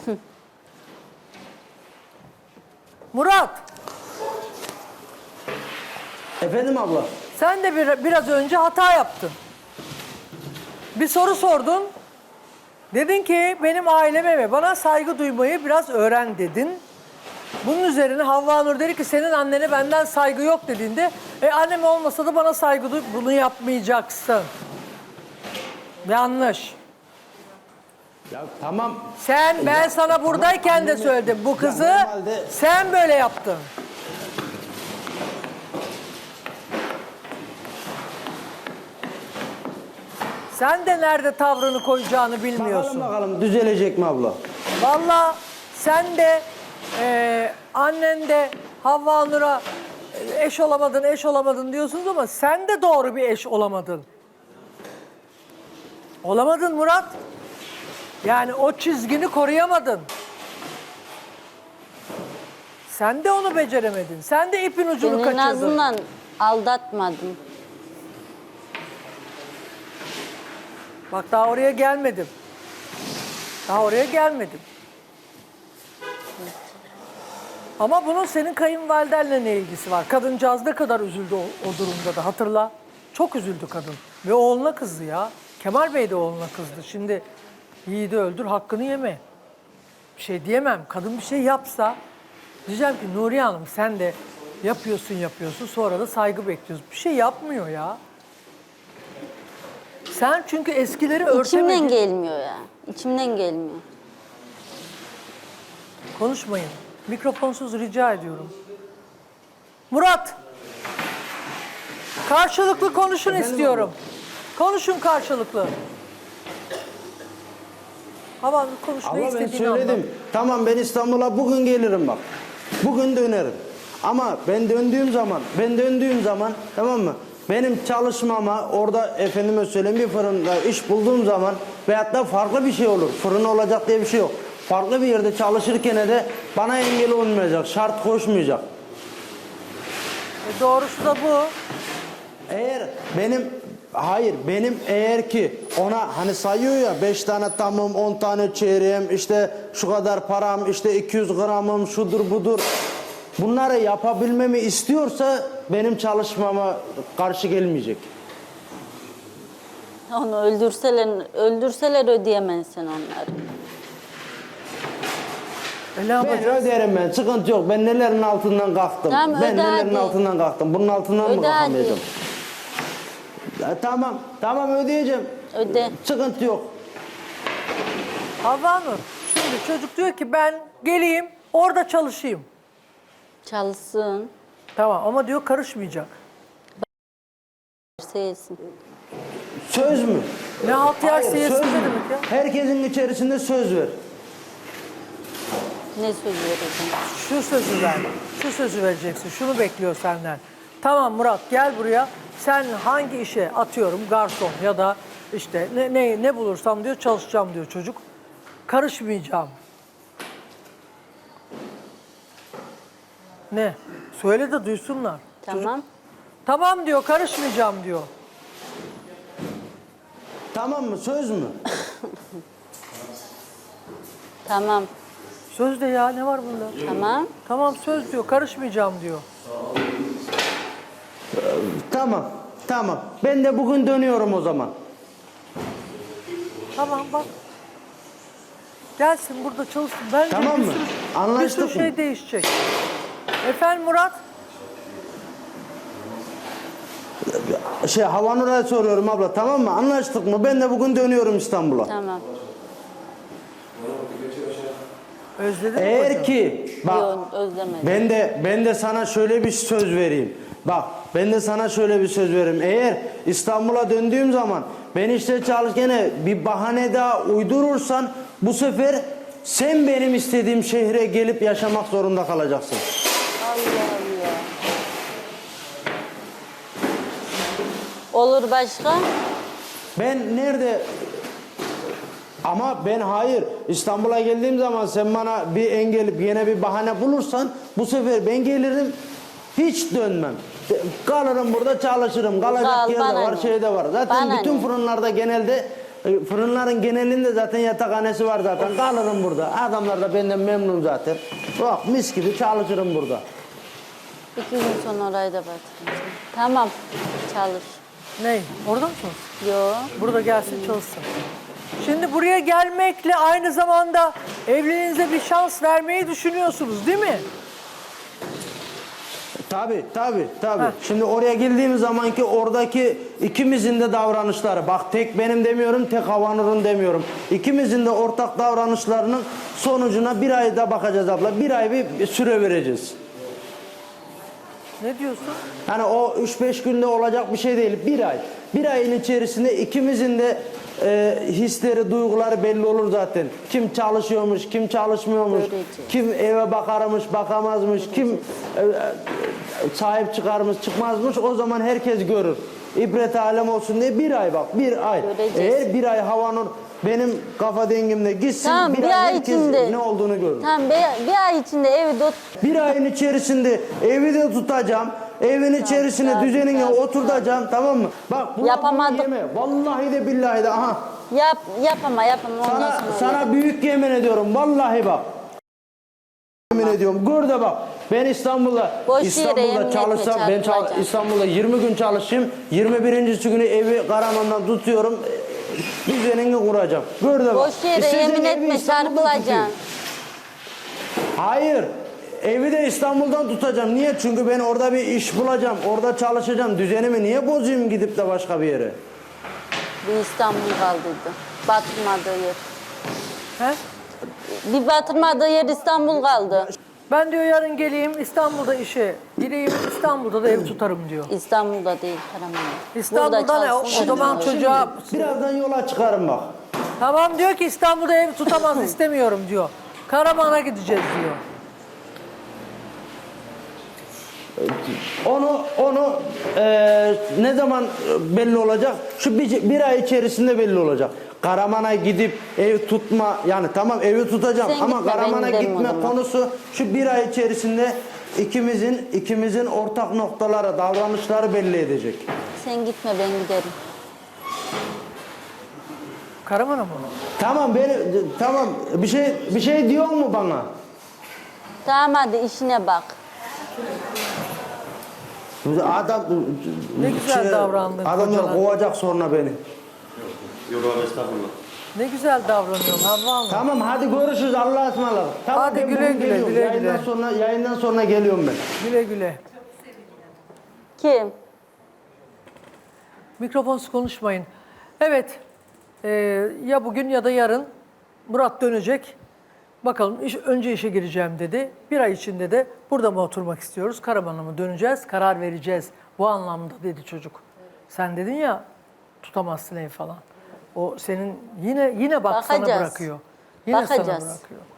Murat, Efendim abla? sen de biraz önce hata yaptın. Bir soru sordun. Dedin ki benim aileme ve bana saygı duymayı biraz öğren dedin. Bunun üzerine Havva Nur dedi ki senin annene benden saygı yok dediğinde annem olmasa da bana saygı duy, bunu yapmayacaksın. Yanlış. Ya tamam. Ben sana buradayken de annemi- söyledim. Bu kızı normalde- sen böyle yaptın. Sen de nerede tavrını koyacağını bilmiyorsun. Bakalım düzelecek mi abla? Vallahi sen de annen de Havva Nur'a eş olamadın diyorsunuz ama sen de doğru bir eş olamadın. Olamadın Murat. Yani o çizgini koruyamadın. Sen de onu beceremedin. Sen de ipin ucunu Ben en kaçırdın. azından aldatmadım. Bak daha oraya gelmedim. Daha oraya gelmedim. Ama bunun senin kayınvalidenle ne ilgisi var? Kadıncağız ne kadar üzüldü o durumda da hatırla. Çok üzüldü kadın. Ve oğluna kızdı ya. Kemal Bey de oğluna kızdı. Şimdi yiğidi öldür hakkını yeme. Bir şey diyemem. Kadın bir şey yapsa diyeceğim ki Nuriye Hanım sen de yapıyorsun sonra da saygı bekliyorsun. Bir şey yapmıyor ya. Sen çünkü eskileri örtemedin. İçimden gelmiyor ya. İçimden gelmiyor. Konuşmayın. Mikrofonsuz rica ediyorum. Murat. Karşılıklı konuşun istiyorum. Konuşun karşılıklı. Hava konuş ne Abla ben istediğini anlat. söyledim. Tamam ben İstanbul'a bugün gelirim bak. Bugün dönerim. Ama ben döndüğüm zaman tamam mı? Benim çalışmama orada efendime söyleyeyim bir fırında iş bulduğum zaman veyahut da farklı bir şey olur. Fırın olacak diye bir şey yok. Farklı bir yerde çalışırken de bana engel olmayacak, şart koşmayacak. Doğrusu da bu. Eğer benim eğer ki ona hani sayıyor ya 5 tane tamım 10 tane çeyreğim işte şu kadar param işte 200 gramım şudur budur bunları yapabilmemi istiyorsa benim çalışmama karşı gelmeyecek. Onu öldürseler ödeyemezsin onları. Ne Ben yapacağız? öderim ben sıkıntı yok ben nelerin altından kalktım. Tamam, Ben öde nelerin hadi. altından kalktım bunun altından mı Öde hadi. kalkamayacağım? Ya, tamam ödeyeceğim. Öde. Sıkıntı yok. Havva Nur, şimdi çocuk diyor ki ben geleyim orada çalışayım. Çalışsın. Tamam ama diyor karışmayacak. Sevsin. Söz mü? Ne halt yer Hayır, siyasi söz ne mü? demek ya? Herkesin içerisinde söz ver. Ne söz vereceğim? Şu sözü ver. Şu sözü vereceksin. Şunu bekliyor senden. Tamam Murat gel buraya. Sen hangi işe atıyorum garson ya da işte ne bulursam diyor çalışacağım diyor çocuk. Karışmayacağım. Ne? Söyle de duysunlar. Tamam. Çocuk, tamam diyor karışmayacağım diyor. Tamam mı? Söz mü? Tamam. Söz de ya ne var bunda? Tamam. Tamam söz diyor karışmayacağım diyor. Tamam. Ben de bugün dönüyorum o zaman. Tamam bak. Gelsin burada çalışsın. Bence Tamam bir mı? sürü, Anlaştık bir sürü şey mı? değişecek. Efendim Murat? Havanur'a soruyorum abla tamam mı? Anlaştık mı? Ben de bugün dönüyorum İstanbul'a. Tamam. Özledin mi Eğer kocam? ki bak Yok, özlemedim. ben de sana şöyle bir söz vereyim. Bak ben de sana şöyle bir söz vereyim. Eğer İstanbul'a döndüğüm zaman ben işte çalışırken bir bahane daha uydurursan bu sefer sen benim istediğim şehre gelip yaşamak zorunda kalacaksın. Allah Allah. Olur başka? Ben nerede ama ben hayır İstanbul'a geldiğim zaman sen bana bir engel yine bir bahane bulursan bu sefer ben gelirim hiç dönmem. Kalırım burada çalışırım. Kalacak Kal, yer de bana var ne? şey de var. Zaten Bana bütün ne? fırınlarda genelde Fırınların genelinde zaten yatakhanesi var zaten. Kalırım burada. Adamlar da benden memnun zaten. Bak mis gibi çalışırım burada. 2 gün sonra orayı da batıracağım. Tamam. Çalış. Ney? Orada mısınız? Yo. Burada gelsin çalışsın. Şimdi buraya gelmekle aynı zamanda evliliğinize bir şans vermeyi düşünüyorsunuz değil mi? Tabii. Heh. Şimdi oraya girdiğimiz zamanki oradaki ikimizin de davranışları, bak tek benim demiyorum, tek Havanur'un demiyorum. İkimizin de ortak davranışlarının sonucuna bir ayda bakacağız abla. Bir ay bir süre vereceğiz. Ne diyorsun? Yani o 3-5 günde olacak bir şey değil. Bir ay. Bir ayın içerisinde ikimizin de hisleri, duyguları belli olur zaten. Kim çalışıyormuş, kim çalışmıyormuş, Göreceğiz. kim eve bakarmış, bakamazmış, kim sahip çıkarmış, çıkmazmış. O zaman herkes görür. İbret alem olsun diye bir ay bak, bir ay. Göreceğiz. Eğer bir ay Havanur benim kafa dengimde gitsin, Tamam, bir bir ay ay herkes içinde. ne olduğunu görür. Tamam bir ay içinde evi Bir ayın içerisinde evi de tutacağım. Evin içerisine tamam, düzenine tamam. oturtacağım, tamam mı? Bak bunu Yapamadım. yeme. Vallahi de billahi de aha. yapama. Ondan sonra Sana büyük yemin ediyorum. Vallahi bak. Yemin ediyorum. Gör de bak. Ben Boş yere yemin etme, çalışsam çarpılacağım. İstanbul'da 20 gün çalışayım. 21. günü evi Karaman'dan tutuyorum. Düzenini kuracağım. Gör de bak. boş yere İstediğin yemin evi etme, İstanbul'da çarpılacaksın. tutayım. Hayır. Evi de İstanbul'dan tutacağım. Niye? Çünkü ben orada bir iş bulacağım. Orada çalışacağım. Düzenimi niye bozayım gidip de başka bir yere? Bir İstanbul kaldıydı. Batırmadığı yer. He? Bir batırmadığı yer İstanbul kaldı. Ben diyor yarın geleyim İstanbul'da işe gireyim, İstanbul'da da ev tutarım diyor. İstanbul'da değil Karaman'da. İstanbul'da ne? O çalışsın, zaman şimdi- çocuğa... Birazdan yola çıkarım bak. Tamam diyor ki İstanbul'da ev tutamaz istemiyorum diyor. Karaman'a gideceğiz diyor. Onu ne zaman belli olacak? Şu bir ay içerisinde belli olacak. Karaman'a gidip ev tutma, yani tamam evi tutacağım Sen ama gitme, Karaman'a ben giderim gitme o zaman. konusu şu bir ay içerisinde ikimizin ortak noktaları, davranışları belli edecek. Sen gitme ben giderim. Karaman'a mı? Tamam bir şey diyor mu bana? Tamam hadi işine bak. Adam Ne güzel davrandın Adamlar kocana. kovacak sonra beni. Yok abi estağfurullah. Ne güzel davranıyorsun Havva Hanım. Tamam hadi görüşürüz, Allah'a ısmarladık. Tamam, Hadi ben güle bugün güle, geliyorum. güle Yayından güle. yayından sonra geliyorum ben. Güle güle. Kim? Mikrofonsuz konuşmayın. Evet, ya bugün ya da yarın Murat dönecek. Bakalım önce işe gireceğim dedi. Bir ay içinde de burada mı oturmak istiyoruz, Karaman'a mı döneceğiz, karar vereceğiz. Bu anlamda dedi çocuk. Sen dedin ya tutamazsın ev falan. O senin yine bak sana Bakacağız. bırakıyor. Yine sana Bakacağız. bırakıyor.